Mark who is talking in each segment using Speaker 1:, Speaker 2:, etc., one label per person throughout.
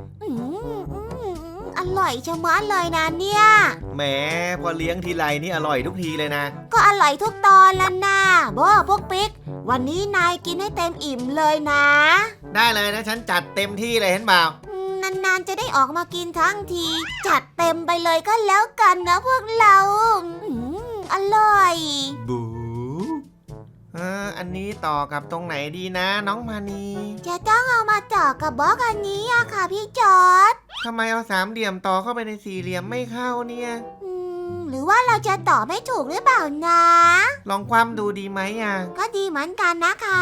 Speaker 1: อร่อยชะมัดเลยนะเนี่ย
Speaker 2: แหมพอเลี้ยงทีไรนี่อร่อยทุกทีเลยนะ
Speaker 1: ก็อร่อยทุกตอนแล้วนะพวกปิ๊กวันนี้นายกินให้เต็มอิ่มเลยนะ
Speaker 2: ได้เลยนะฉันจัดเต็มที่เลยเห็นเปล่
Speaker 1: านานๆจะได้ออกมากินทั้งทีจัดเต็มไปเลยก็แล้วกันนะพวกเราอร่อย
Speaker 2: บูอันนี้ต่อกับตรงไหนดีนะน้องมานี
Speaker 1: จะต้องเอามาต่อกับบล็อกอันนี้อะค่ะพี่จอร์จ
Speaker 2: ทำไมเอาสามเหลี่ยมต่อเข้าไปในสี่เหลี่ยมไม่เข้าเนี่ย
Speaker 1: หรือว่าเราจะต่อไม่ถูกหรือเปล่านะ
Speaker 2: ลองความดูดีไหมอ่ะ
Speaker 1: ก็ดีเหมือนกันนะคะ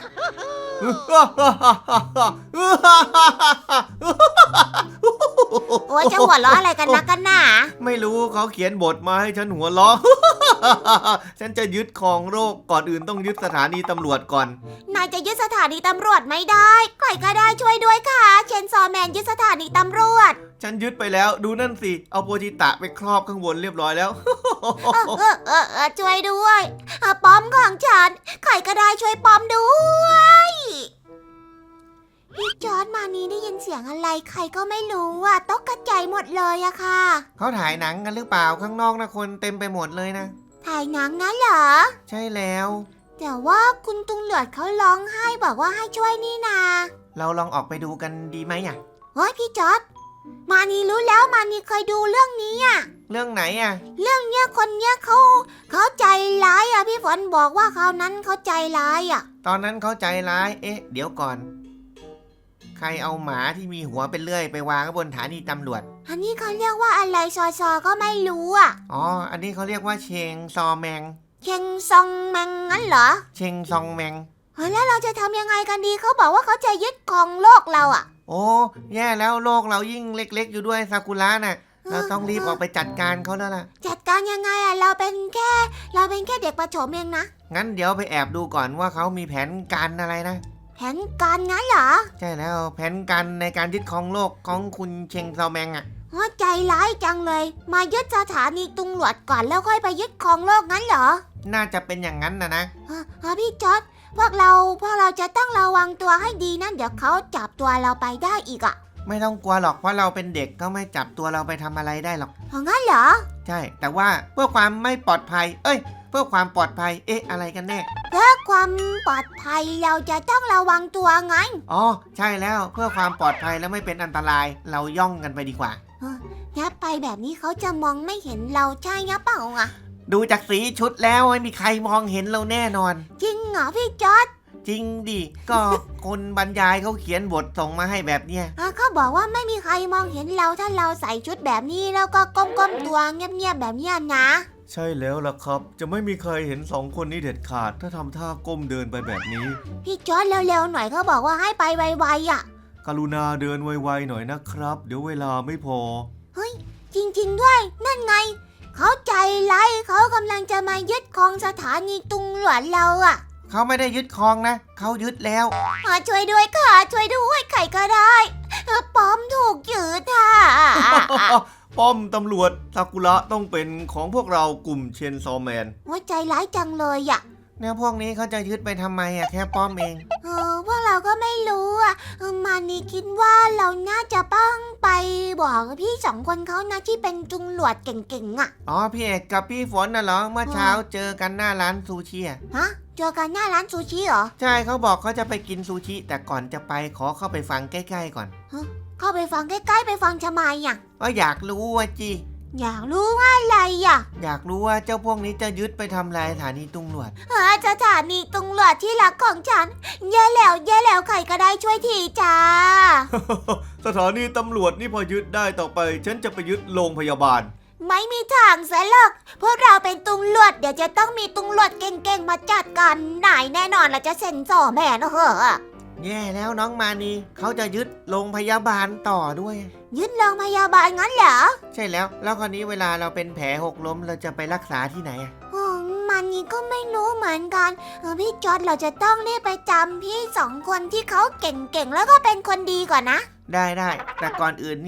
Speaker 1: โอ้ยจะหัวเราะอะไรกันนะกันน่ะ
Speaker 2: ไม่รู้เขาเขียนบทมาให้ฉันหัวเราะ ฉันจะยึดครองโลกก่อนอื่นต้องยึดสถานีตำรวจก่อน
Speaker 1: นายจะยึดสถานีตำรวจไม่ได้ใครก็ได้ช่วยด้วยค่ะเชนซอแมนยึดสถานีตำรวจ
Speaker 2: ฉันยึดไปแล้วดูนั่นสิเอาโปจิตะไปครอบข้างบนเรียบร้อยแล้ว
Speaker 1: ช่วยด้วยป้อมของฉันใครก็ได้ช่วยป้อมด้วยพี่จอร์จมานี่ได้ยินเสียงอะไรใครก็ไม่รู้อ่ะตกกระจายหมดเลยอะค่ะ
Speaker 2: เขาถ่ายหนังกันหรือเปล่าข้างนอกนะคนเต็มไปหมดเลยนะ
Speaker 1: ถ่ายหนังนะเหรอ
Speaker 2: ใช่แล้ว
Speaker 1: แต่ว่าคุณตุงเหลือดเขาร้องไห้บอกว่าให้ช่วยนี่นา
Speaker 2: เราลองออกไปดูกันดีไหมอ่ะ
Speaker 1: เฮ้ยพี่จอร์จมานี่รู้แล้วมานี่เคยดูเรื่องนี้อ่ะ
Speaker 2: เรื่องไหนอ่ะ
Speaker 1: เรื่องเนี้ยคนเนี้ยเขาใจร้ายอ่ะพี่ฝนบอกว่าเขานั้นเขาใจร้ายอ่ะ
Speaker 2: ตอนนั้นเขาใจร้ายเดี๋ยวก่อนใครเอาหมาที่มีหัวเป็นเลื่อยไปวางบนสถานีตำรวจ
Speaker 1: อันนี้เขาเรียกว่าอะไรซอก็ไม่รู้อ่ะ
Speaker 2: อ๋ออันนี้เขาเรียกว่าเชงซอแมง
Speaker 1: เชงซองแมงงั้นเหรอ
Speaker 2: เชงซองแมง
Speaker 1: แล้วเราจะทำยังไงกันดีเขาบอกว่าเขาจะยึดครองโลกเราอ่ะ
Speaker 2: โอ้แย่แล้วโลกเรายิ่งเล็กๆอยู่ด้วยซากุระน่ะเราต้องรีบออกไปจัดการเขาแล้วล่ะ
Speaker 1: จัดการยังไงอ่ะเราเป็นแค่เด็กประถมเองนะ
Speaker 2: งั้นเดี๋ยวไปแอบดูก่อนว่าเขามีแผนการอะไรนะ
Speaker 1: แผนการงั้นเหรอ
Speaker 2: ใช่แล้วแผนการในการยึดครองโลกของคุณเชงซอแมงอ่ะ
Speaker 1: ใจร้ายจังเลยมายึดสถานีตำรวจก่อนแล้วค่อยไปยึดครองโลกงั้นเหรอ
Speaker 2: น่าจะเป็นอย่างนั้นนะ
Speaker 1: พี่จอร์จพวกเราจะต้องระวังตัวให้ดีนะเดี๋ยวเขาจับตัวเราไปได้อีกอ่ะ
Speaker 2: ไม่ต้องกลัวหรอกเพราะเราเป็นเด็กก็ไม่จับตัวเราไปทำอะไรได้หรอก
Speaker 1: งั้นเหรอ
Speaker 2: ใช่แต่ว่าเพื่อความไม่ปลอดภัยเพื่อความปลอดภัยอะไรกันแน่
Speaker 1: เพื่อความปลอดภัยเราจะต้องระวังตัวไง
Speaker 2: อ๋อใช่แล้วเพื่อความปลอดภัยและไม่เป็นอันตรายเราย่องกันไปดีกว่า
Speaker 1: ยับไปแบบนี้เขาจะมองไม่เห็นเราใช่ยับเปล่าอ่ะ
Speaker 2: ดูจากสีชุดแล้วไม่มีใครมองเห็นเราแน่นอน
Speaker 1: จริงเหรอพี่จอร์จ
Speaker 2: จริงดิก็คนบรรยายเขาเขียนบทส่งมาให้แบบเนี้ย
Speaker 1: เขาบอกว่าไม่มีใครมองเห็นเราถ้าเราใส่ชุดแบบนี้แล้วก็ก้มตัวเงียบๆแบบนี้นะ
Speaker 2: ใช่แล้วล่ะครับจะไม่มีใครเห็นสองคนนี้เด็ดขาดถ้าทำท่าก้มเดินไปแบบนี้
Speaker 1: พี่จอร์จเร็วๆหน่อยเขาบอกว่าให้ไปไวๆอ่ะ
Speaker 2: กรุณาเดินไวๆหน่อยนะครับเดี๋ยวเวลาไม่พอ
Speaker 1: เฮ้ยจริงๆด้วยนั่นไงเขาใจร้ายเขากำลังจะมายึดครองสถานีตำรวจเราอ่ะ
Speaker 2: เขาไม่ได้ยึดครองนะเขายึดแล้ว
Speaker 1: ช่วยด้วยค่ะช่วยด้วยใครก็ได้ป้อมถูกยึดค่ะ
Speaker 2: ป้อมตำรวจซากุระต้องเป็นของพวกเรากลุ่มเชนซอแมน
Speaker 1: ใจร้ายจังเลยอ่ะ
Speaker 2: เนี่ยพวกนี้เขาจะยึดไปทำไมแค่ป้อมเอง
Speaker 1: พวกเราก็ไม่รู้อ่ะมานี่คิดว่าเราน่าจะต้องไปบอกพี่สองคนเขานะที่เป็นตำรวจเก่งๆอ่ะ
Speaker 2: อ๋อพี่เอกกับพี่ฝนน่ะเหรอเมื่อเช้าเจอกันหน้าร้านซูชิ
Speaker 1: ฮะเจอกันหน้าร้านซูชิเหรอ
Speaker 2: ใช่เขาบอกเขาจะไปกินซูชิแต่ก่อนจะไปขอเข้าไปฟังใกล้ๆก่อน
Speaker 1: เข้าไปฟังใกล้ๆไปฟังทำไมอ่ะ
Speaker 2: ก็อยากรู้ว่าจี
Speaker 1: อยากรู้ว่าอะไรอ่ะ
Speaker 2: อยากรู้ว่าเจ้าพวกนี้จะยึดไปทำลายสถานีตำรวจ
Speaker 1: สถานีตำรวจที่รักของฉันแย่แล้วใครก็ได้ช่วยทีจ้า
Speaker 2: สถานีตำรวจนี่พอยึดได้ต่อไปฉันจะไปยึดโรงพยาบาล
Speaker 1: ไม่มีทางเสียหรอกพวกเราเป็นตำรวจเดี๋ยวจะต้องมีตำรวจเก่งๆมาจัดการนายแน่นอนเราจะเซ็นสอแม่นะเหรอ
Speaker 2: แย่แล้วน้องมานีเขาจะยึดโรงพยาบาลต่อด้วย
Speaker 1: ยึดโรงพยาบาลงั้นเหรอ
Speaker 2: ใช่แล้วคราวนี้เวลาเราเป็นแผลหกล้มเราจะไปรักษาที่ไหน
Speaker 1: มานีก็ไม่รู้เหมือนกันพี่จอร์จเราจะต้องรีบไปจำพี่สองคนที่เขาเก่งๆแล้วก็เป็นคนดีก่อนนะ
Speaker 2: ได้แต่ก่อนอื่นนี่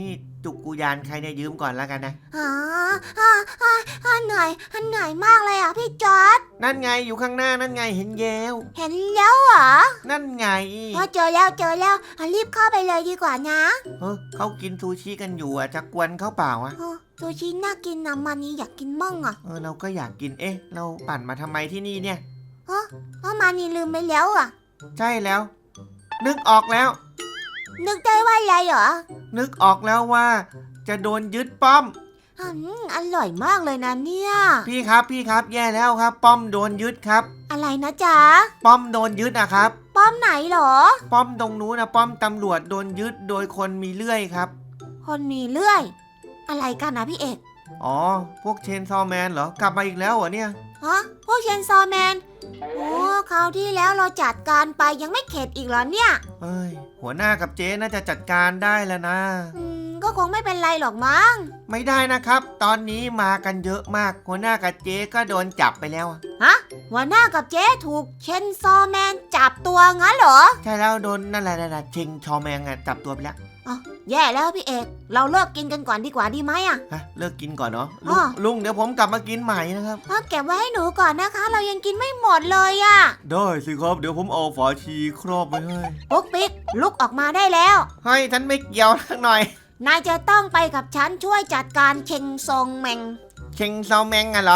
Speaker 2: จุกกุยานใครเนี่ยยืมก่อนแล้วกันนะ
Speaker 1: อ๋อเหนื่อยมากเลยอ่ะพี่จอร์จ
Speaker 2: นั่นไงอยู่ข้างหน้านั่นไงเห็นแยว
Speaker 1: เห็นแล้วเหรอ
Speaker 2: นั่นไง
Speaker 1: เจอแล้วรีบเข้าไปเลยดีกว่านะ
Speaker 2: เขากินซูชิกันอยู่อ่ะจะกวนเขาเปล่าอ่ะ
Speaker 1: ซูชิน่ากินนะมานี่อยากกินมั่งอ่ะ
Speaker 2: เราก็อยากกินเราปั่นมาทำไมที่นี่เนี่ย
Speaker 1: มานี่ลืมไปแล้วอ่ะ
Speaker 2: ใช่แล้ว นึกออกแล้ว
Speaker 1: นึกได้ว่าอะไรเหรอ
Speaker 2: นึกออกแล้วว่า จะโดนยึดป้อม
Speaker 1: อร่อยมากเลยนะเนี่ย
Speaker 2: พี่ครับแย่แล้วครับ ป้อมโดนยึดครับ
Speaker 1: อะไรนะจ๊ะ
Speaker 2: ป้อมโดนยึดอะครับ
Speaker 1: ป้อมไหนเหรอ
Speaker 2: ป้อมตรงนู้นนะป้อมตำรวจโดนยึดโดยคนมีเลื่อยครับ
Speaker 1: คนมีเลื่อย อะไรกันนะพี่เอก
Speaker 2: อ๋อพวกเชนซอว์แมนเหรอกลับมาอีกแล้วเหรอเนี่ย
Speaker 1: พวกเชนซอว์แมน โอ้คราวที่แล้วเราจัดการไปยังไม่เข็ดอีกเหรอเนี่ย
Speaker 2: เอ้ยหัวหน้ากับเจ๊น่าจะจัดการได้แล้วนะ
Speaker 1: ก็คงไม่เป็นไรหรอกมั้ง
Speaker 2: ไม่ได้นะครับ ตอนนี้มากันเยอะมากหัวหน้ากับเจ๊ก็โดนจับไปแล้วอะ
Speaker 1: หัวหน้ากับเจ๊ถูกเชนซอว์แมนจับตัวงั้นเหรอ
Speaker 2: ใช่แล้วโดนนั่นแหละเชงชอแมงอะจับตัวไปแล้ว
Speaker 1: แย่แล้วพี่เอก เราเลิกกินกันก่อนดีกว่าดีไหมอะ
Speaker 2: ฮะเลิกกินก่อนเนาะ
Speaker 1: อ้อ
Speaker 2: ลุงเดี๋ยวผมกลับมากินใหม่นะครับ
Speaker 1: เก็บไว้ให้หนูก่อนนะคะ เรายังกินไม่หมดเลยอะ
Speaker 2: ได้สิครับเดี๋ยวผมเอาฝาชีครอบไว้ให้
Speaker 1: ปุ๊กปิ๊กลุกออกมาได้แล้ว
Speaker 2: เฮ้ยฉันไม่เกี่ยวสักหน่อย
Speaker 1: นายจะต้องไปกับฉันช่วยจัดการเชงซองแมง
Speaker 2: เชงซอแมงอะเหรอ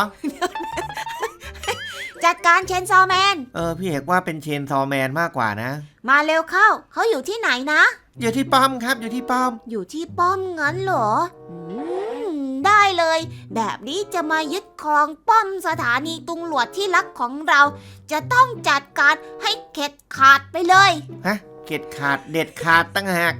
Speaker 1: จัดการเชนซอว์แมน
Speaker 2: พี่เอกว่าเป็นเชนซอแมนมากกว่านะ
Speaker 1: มาเร็วเข้า เขาอยู่ที่ไหนนะ
Speaker 2: อยู่ที่ป้อมครับอยู่ที่ป้อม
Speaker 1: อยู่ที่ป้อมงั้นเหรอได้เลย แบบนี้จะมายึดครองป้อมสถานีตำรวจที่รักของเรา จะต้องจัดการให้เข็ดขาดไปเลย
Speaker 2: ฮะเด็ดขาดเด็ดขาดตั้งหาก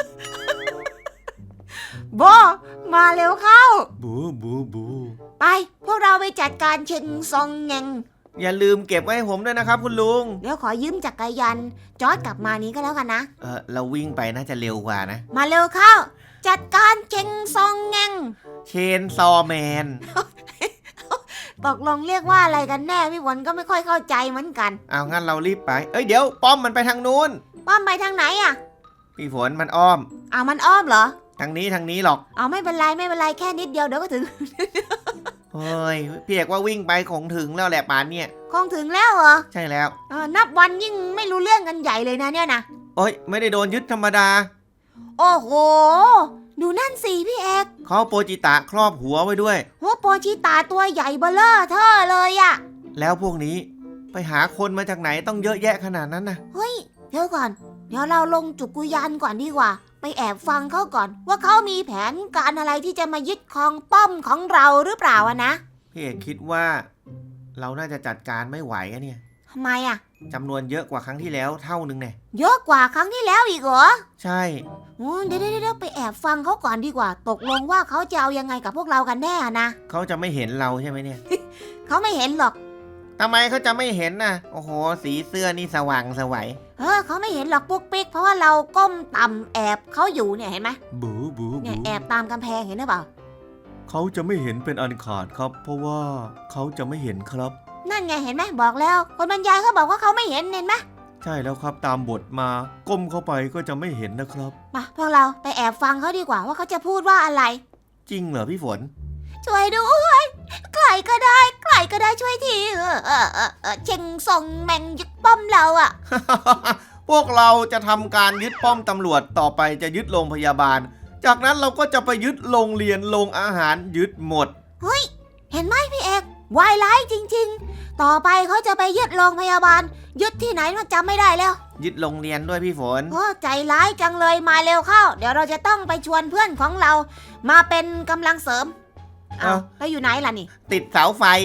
Speaker 1: โบมาเร็วเข้า
Speaker 2: บู
Speaker 1: ไปพวกเราไปจัดการเชงซองแงง
Speaker 2: อย่าลืมเก็บไว้ให้ผมด้วยนะครับคุณลุง
Speaker 1: เดี๋ยวขอยืมจักรยานจอร์จกลับมานี้ก็แล้วกันนะ
Speaker 2: เราวิ่งไปน่าจะเร็วกว่านะ
Speaker 1: มาเร็วเข้า จัดการเชงซองแงง
Speaker 2: เชนซอแมน
Speaker 1: ตกลงเรียกว่าอะไรกันแน่พี่ฝนก็ไม่ค่อยเข้าใจเหมือนกัน
Speaker 2: เอางั้นเรารีบไปเดี๋ยวป้อมมันไปทางนู้น
Speaker 1: ป้อมไปทางไหนอะ
Speaker 2: พี่ฝนมันอ้อม
Speaker 1: มันอ้อมเหรอ
Speaker 2: ทางนี้หรอก
Speaker 1: ไม่เป็นไรแค่นิดเดียวเดี๋ยวก็ถึง
Speaker 2: เฮ้ยพี่เอกว่าวิ่งไปคงถึงแล้วแหละป่านเนี่ย
Speaker 1: คงถึงแล้วเหรอ
Speaker 2: ใช่แล้ว
Speaker 1: นับวันยิ่งไม่รู้เรื่องกันใหญ่เลยนะเนี่ยนะ
Speaker 2: ไม่ได้โดนยึดธรรมดา
Speaker 1: โอ้โห ดูนั่นสิพี่เอก
Speaker 2: เขาโปจิตะครอบหัวไว้ด้วย
Speaker 1: หัวโปชิตาตัวใหญ่เบ้อเร่อเท่อเลยอะ
Speaker 2: แล้วพวกนี้ไปหาคนมาจากไหนต้องเยอะแยะขนาดนั้นนะ
Speaker 1: เฮ้ยเดี๋ยวก่อน เดี๋ยวเราลงจุกุยานก่อนดีกว่า ไปแอบฟังเขาก่อน ว่าเขามีแผนการอะไรที่จะมายึดครองป้อมของเราหรือเปล่าอะนะ
Speaker 2: พี่เอกคิดว่าเราน่าจะจัดการไม่ไหวอะเนี่ย
Speaker 1: ทำไมอะ
Speaker 2: จำนวนเยอะกว่าครั้งที่แล้วเท่านึงเนี่ย
Speaker 1: เยอะกว่าครั้งที่แล้วอีกเหรอ
Speaker 2: ใช่
Speaker 1: เดี๋ยวไปแอบฟังเขาก่อนดีกว่า ตกลงว่าเขาจะเอายังไงกับพวกเรากันแน่นะ
Speaker 2: เขาจะไม่เห็นเราใช่ไหมเนี่ย
Speaker 1: เขาไม่เห็นหรอก
Speaker 2: ทำไมเขาจะไม่เห็นน่ะโอ้โหสีเสื้อนี่สว่างไสวัย
Speaker 1: เขาไม่เห็นหรอกปุ๊กปิ๊กเพราะว่าเราก้มต่ำแอบเขาอยู่เนี่ยเห็นไหม
Speaker 2: บู
Speaker 1: เนี่ยแอบตามกำแพงเห็นหรือเปล่า
Speaker 2: เขาจะไม่เห็นเป็นอันขาดครับ เพราะว่าเขาจะไม่เห็นครับ
Speaker 1: นั่นไงเห็นไหมบอกแล้ว คนบรรยายเขาบอกว่าเขาไม่เห็นเห็นไหม
Speaker 2: ใช่แล้วครับตามบทมาก้มเข้าไปก็จะไม่เห็นนะครับ
Speaker 1: มาพวกเราไปแอบฟังเขาดีกว่าว่าเขาจะพูดว่าอะไร
Speaker 2: จริงเหรอพี่ฝน
Speaker 1: ช่วยด้วยใครก็ได้ช่วยทีเชงส่งแมงยึดป้อมเราอะ
Speaker 2: พวกเราจะทำการยึดป้อมตำรวจต่อไปจะยึดโรงพยาบาล จากนั้นเราก็จะไปยึดโรงเรียนโรงอาหารยึดหมด
Speaker 1: เห็นไหมพี่เอกวายร้ายจริงๆ ต่อไปเขาจะไปยึดโรงพยาบาล ยึดที่ไหนมันจำไม่ได้แล้ว
Speaker 2: ยึดโรงเรียนด้วยพี่ฝน
Speaker 1: ใจร้ายจังเลยมาเร็วเข้า เดี๋ยวเราจะต้องไปชวนเพื่อนของเรา มาเป็นกำลังเสริมแล้วอยู่ไหนล่ะนี่
Speaker 2: ติดเสาไฟ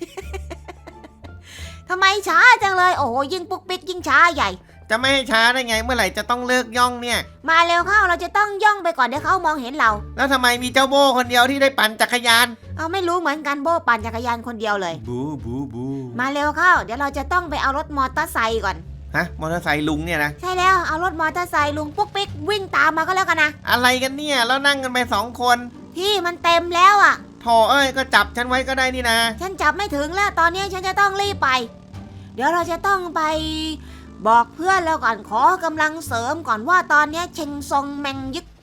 Speaker 1: ทำไมช้าจังเลยโอ้โหยิ่งปุ๊กปิ๊กยิ่งช้าใหญ่
Speaker 2: จะไม่ให้ช้าได้ไงเมื่อไหร่จะต้องเลิกย่องเนี่ย
Speaker 1: มาเร็วเข้าเราจะต้องย่องไปก่อนเดี๋ยวเขามองเห็นเรา
Speaker 2: แล้วทำไมมีเจ้าโบคนเดียวที่ได้ปั่นจักรยาน
Speaker 1: ไม่รู้เหมือนกันโบปั่นจักรยานคนเดียวเลย
Speaker 2: บู
Speaker 1: มาเร็วเข้า เดี๋ยวเราจะต้องไปเอารถมอเตอร์ไซค์ก่อน
Speaker 2: ฮะมอเตอร์ไซค์ลุงเนี่ยนะ
Speaker 1: ใช่แล้วเอารถมอเตอร์ไซค์ลุงปุ๊กปิ๊กวิ่งตามมาก็แล้วกันนะ
Speaker 2: อะไรกันเนี่ยแล้วนั่งกันไป2 คน
Speaker 1: ที่มันเต็มแล้วอ่ะ
Speaker 2: โถก็จับฉันไว้ก็ได้นี่นะ
Speaker 1: ฉันจับไม่ถึงแล้วตอนนี้ฉันจะต้องรีบไป เดี๋ยวเราจะต้องไปบอกเพื่อนแล้วก่อนขอกำลังเสริมก่อนว่าตอนนี้เชงซองแมงยึด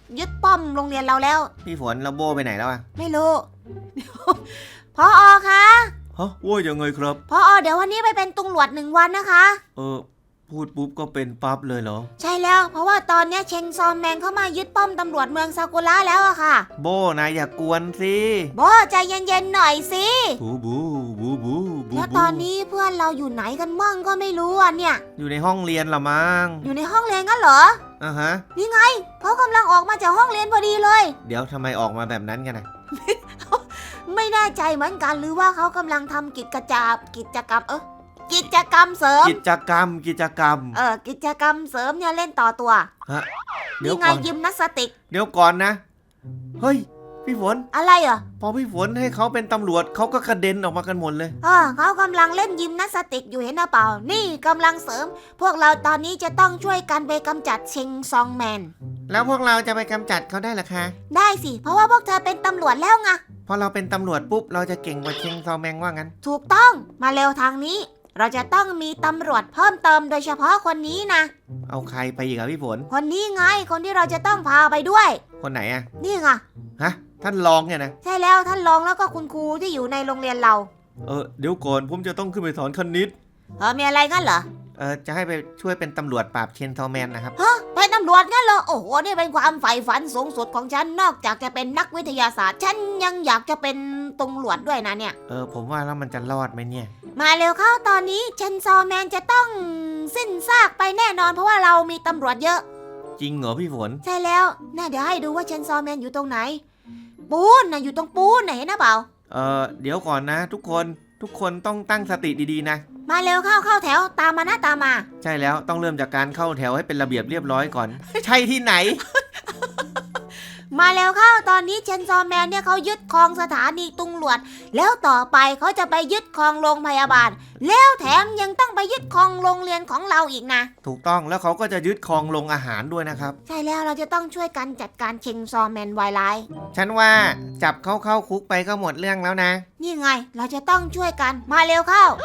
Speaker 1: ยึดป้อมโรงเรียนเราแล้ว
Speaker 2: พี่ฝนแล้วโบไปไหนแล้วอะ
Speaker 1: ไม่รู้ เดี๋ยวพอคะ
Speaker 2: ฮะว่ายังไงครับ
Speaker 1: พอเดี๋ยววันนี้ไปเป็นตำรวจ1 วันนะคะ
Speaker 2: พูดปุ๊บก็เป็นปั๊บเลยเหรอ
Speaker 1: ใช่แล้วเพราะว่าตอนเนี้ยเชงซอมแมนเข้ามายึดป้อมตำรวจเมืองซากุระแล้วอะค่ะ
Speaker 2: โบนายอย่ากวนสิ
Speaker 1: โบใจเย็นๆหน่อยสิ
Speaker 2: บูบูบูบูบู
Speaker 1: แล้วตอนนี้เพื่อนเราอยู่ไหนกันมั่งก็ไม่รู้อ่ะเนี่ย
Speaker 2: อยู่ในห้องเรียนละมั้ง
Speaker 1: อยู่ในห้องเรียนกันเหรอ
Speaker 2: อ่ะฮะ
Speaker 1: นี่ไงเขากำลังออกมาจากห้องเรียนพอดีเลย
Speaker 2: เดี๋ยวทำไมออกมาแบบนั้นกันนะ
Speaker 1: ไม่แน่ใจเหมือนกันหรือว่าเขากำลังทำกิจกรรมกิจกรรมเสริม
Speaker 2: กิจกรรม
Speaker 1: กิจกรรมเสริมเนี่ยเล่นต่อตัว
Speaker 2: ฮะเดี๋ยว
Speaker 1: นี่ไง
Speaker 2: ก่อน
Speaker 1: ยิมนาสติก
Speaker 2: เดี๋ยวก่อนนะ เฮ้ย พี่ฝน
Speaker 1: อะไรเหรอ
Speaker 2: พอพี่ฝนให้เขาเป็นตำรวจเขาก็กระเด็นออกมากันหมดเลย
Speaker 1: เขากำลังเล่นยิมนาสติกอยู่เห็นหรือเปล่า นี่กำลังเสริม พวกเราตอนนี้จะต้องช่วยกันไปกำจัดเชงซองแมน
Speaker 2: แล้วพวกเราจะไปกำจัดเขาได้หรอคะ
Speaker 1: ได้สิ เพราะว่าพวกเธอเป็นตำรวจแล้วไง
Speaker 2: พอเราเป็นตำรวจปุ๊บเราจะเก่งกว่าเชงซอแมงว่างั้น
Speaker 1: ถูกต้อง มาเร็วทางนี้ เราจะต้องมีตำรวจเพิ่มเติมโดยเฉพาะคนนี้นะ
Speaker 2: เอาใครไปอีกอะพี่ฝน
Speaker 1: คนนี้ไง คนที่เราจะต้องพาไปด้วย
Speaker 2: คนไหนอะ
Speaker 1: นี่ไง
Speaker 2: ฮะ ท่านรองเนี่ยนะ
Speaker 1: ใช่แล้วท่านรองแล้วก็คุณครูที่อยู่ในโรงเรียนเรา
Speaker 2: เดี๋ยวก่อนผมจะต้องขึ้นไปสอนคณิต
Speaker 1: มีอะไรกันเหรอ
Speaker 2: จะให้ไปช่วยเป็นตำรวจปราบเชนซอแมนนะครับ
Speaker 1: เป็นตำรวจงั้นเหรอ โอ้โห นี่เป็นความใฝ่ฝันสูงสุดของฉัน นอกจากจะเป็นนักวิทยาศาสตร์ ฉันยังอยากจะเป็นตำรวจด้วยนะเนี่ย
Speaker 2: ผมว่าแล้วมันจะรอดไหมเนี่ย
Speaker 1: มาเร็วเข้าตอนนี้เชนซอแมนจะต้องสิ้นซากไปแน่นอนเพราะว่าเรามีตำรวจเยอะ
Speaker 2: จริงเหรอพี่ฝน
Speaker 1: ใช่แล้วน่าเดี๋ยวให้ดูว่าเชนซอแมนอยู่ตรงไหน ปูนนะอยู่ตรงปูนไหนนะเปล่า
Speaker 2: เดี๋ยวก่อนนะทุกคนต้องตั้งสติดีๆนะ
Speaker 1: มาเร็วเข้าแถวตามมานะตามมา
Speaker 2: ใช่แล้วต้องเริ่มจากการเข้าแถวให้เป็นระเบียบเรียบร้อยก่อน ใช่ที่ไหน
Speaker 1: มาเร็วเข้าตอนนี้เชนซอแมนเนี่ยเขายึดครองสถานีตำรวจแล้วต่อไปเขาจะไปยึดครองโรงพยาบาล แล้วแถมยังต้องไปยึดครองโรงเรียนของเราอีกนะ
Speaker 2: ถูกต้องแล้วเขาก็จะยึดครองโรงอาหารด้วยนะครับ
Speaker 1: ใช่แล้วเราจะต้องช่วยกันจัดการเชนซอแมนวายไลท์
Speaker 2: ฉันว่าจับเขาเข้าคุกไปก็หมดเรื่องแล้วนะ
Speaker 1: นี่ไงเราจะต้องช่วยกันมาเร็วเข้า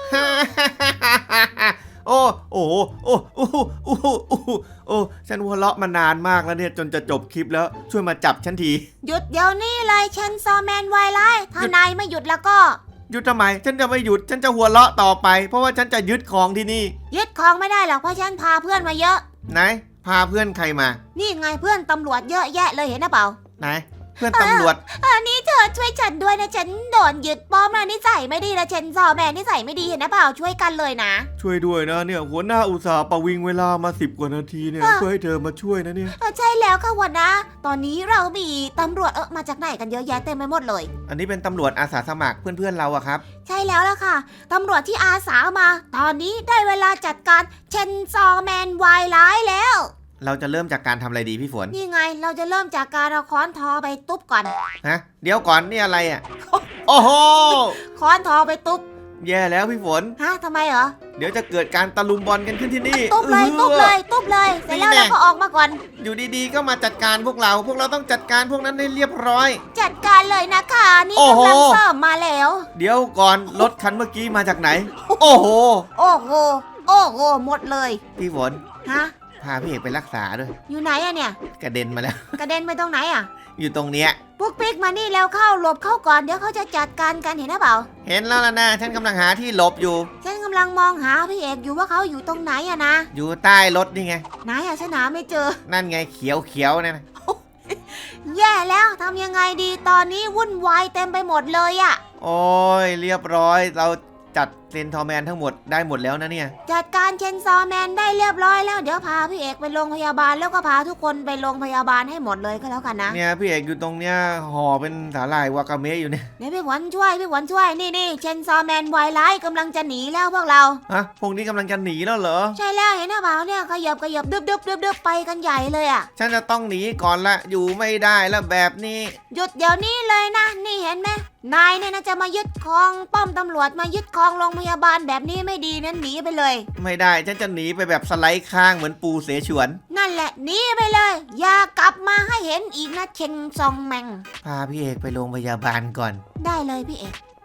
Speaker 2: โอ้โอ้โอ้โอ้โอ้โอ้ฉันหัวเราะมานานมากแล้วเนี่ยจนจะจบคลิปแล้วช่วยมาจับฉันที
Speaker 1: หยุดเดี๋ยวนี้เลยเชนซอแมนวายไลท์ถ้านายไม่หยุดแล้วก็
Speaker 2: หยุดทำไมฉันจะไม่หยุดฉันจะหัวเราะต่อไป เพราะว่าฉันจะยึดของที่นี่
Speaker 1: ยึดของไม่ได้หรอกเพราะฉันพาเพื่อนมาเยอะ
Speaker 2: ไหนพาเพื่อนใครมา
Speaker 1: นี่ไงเพื่อนตำรวจเยอะแยะเลยเห็นหรือเปล่า
Speaker 2: ไหนเพื่อนตำรวจ
Speaker 1: นี่เธอช่วยฉันด้วยนะฉันโดนยึดป้อมนะนิสัยไม่ดีนะเชนซอแมนนิสัยไม่ดีเห็นหรือเปล่าช่วยกันเลยนะ
Speaker 2: ช่วยด้วยนะเนี่ยหัวหน้าอุตส่าห์ประวิงเวลามา10 กว่านาทีเนี่ยเพื่อให้เธอมาช่วยนะเนี่ย
Speaker 1: ใช่แล้วค่ะหัวหน้าตอนนี้เรามีตำรวจมาจากไหนกันเยอะแยะเต็มไปหมดเลย
Speaker 2: อันนี้เป็นตำรวจอาสาสมัครเพื่อนๆเราอะครับ
Speaker 1: ใช่แล้วล่ะค่ะตำรวจที่อาสามา ตอนนี้ได้เวลาจัดการเชนซอแมนวายร้ายแล้ว
Speaker 2: เราจะเริ่มจากการทำอะไรดีพี่ฝน
Speaker 1: นี่ไงเราจะเริ่มจากการเอาค้อนทอไปตุ๊บก่อน
Speaker 2: ฮะเดี๋ยวก่อนนี่อะไรอะ โอ้โห
Speaker 1: ค้อนทอไปตุ๊บ
Speaker 2: แย่แล้วพี่ฝน
Speaker 1: ฮะทำไมเหรอ
Speaker 2: เดี๋ยวจะเกิดการตะลุมบอลกันขึ้นที่นี่
Speaker 1: ตุ๊บเลยตุ๊บเลยตุ๊บเลยเสร็จแล้วเราก็ออกมาก่อน
Speaker 2: อยู่ดีๆก็มาจัดการพวกเราต้องจัดการพวกนั้นให้เรียบร้อย
Speaker 1: จัดการเลยนะคะนี่
Speaker 2: โอ้โห
Speaker 1: กำลังเสริมมาแล้ว
Speaker 2: เดี๋ยวก่อนรถคันเมื่อกี้มาจากไหน โอ้โห
Speaker 1: โอ้โหโอ้โหหมดเลย
Speaker 2: พี่ฝน
Speaker 1: ฮะ
Speaker 2: พาพี่เอกไปรักษาด้วย
Speaker 1: อยู่ไหนอะเนี่ย
Speaker 2: กระเด็นมาแล้ว
Speaker 1: กระเด็นไปตรงไหนอะ
Speaker 2: อยู่ตรงเนี้ย
Speaker 1: พวกปิ๊กมานี่แล้วเข้าหลบเข้าก่อนเดี๋ยวเขาจะจัดการกันเห็นหรือเปล่า
Speaker 2: เห็นแล้วล่ะนะฉันกำลังหาที่หลบอยู่
Speaker 1: ฉันกำลังมองหาพี่เอกอยู่ว่าเขาอยู่ตรงไหนอะนะ
Speaker 2: อยู่ใต้รถนี่ไง
Speaker 1: ไหนอะฉันหาไม่เจอ
Speaker 2: นั่นไงเขียวๆเนี่ยนะ
Speaker 1: แย่แล้วทำยังไงดีตอนนี้วุ่นวายเต็มไปหมดเลยอะ
Speaker 2: โอ้ยเรียบร้อยเราจัดเซนทอร์แมนทั้งหมดได้หมดแล้วนะเนี่ย
Speaker 1: จัดการเชนซอแมนได้เรียบร้อยแล้วเดี๋ยวพาพี่เอกไปโรงพยาบาลแล้วก็พาทุกคนไปโรงพยาบาลให้หมดเลยก็แล้วกันนะ
Speaker 2: เนี่ยพี่เอกอยู่ตรงเนี้ยห่อเป็นสาหร่ายวากาเมะอยู่เนี่ย
Speaker 1: เดี๋ยวพี่หวันช่วยนี่เชนซอแมนวายไลท์กำลังจะหนีแล้วพวกเรา
Speaker 2: ฮะพวกนี้กำลังจะหนีแล้วเหรอ
Speaker 1: ใช่แล้วเห็นหรือเปล่าเนี่ยขยับดึบไปกันใหญ่เลยอะ
Speaker 2: ฉันจะต้องหนีก่อนละอยู่ไม่ได้แล้วแบบนี้
Speaker 1: หยุดเดี๋ยวนี้เลยนะนี่เห็นไหมนายเนี่ยนะจะมายึดครองป้อมตำรวจมายึดครองโรงพยาบาลแบบนี้ไม่ดีนั้นหนีไปเลย
Speaker 2: ไม่ได้ฉันจะหนีไปแบบสไลด์ข้างเหมือนปูเสฉวน
Speaker 1: นั่นแหละหนีไปเลย อย่ากลับมาให้เห็นอีกนะเชงซองแมง
Speaker 2: พาพี่เอกไปโรงพยาบาลก่อน
Speaker 1: ได้เลยพี่เอก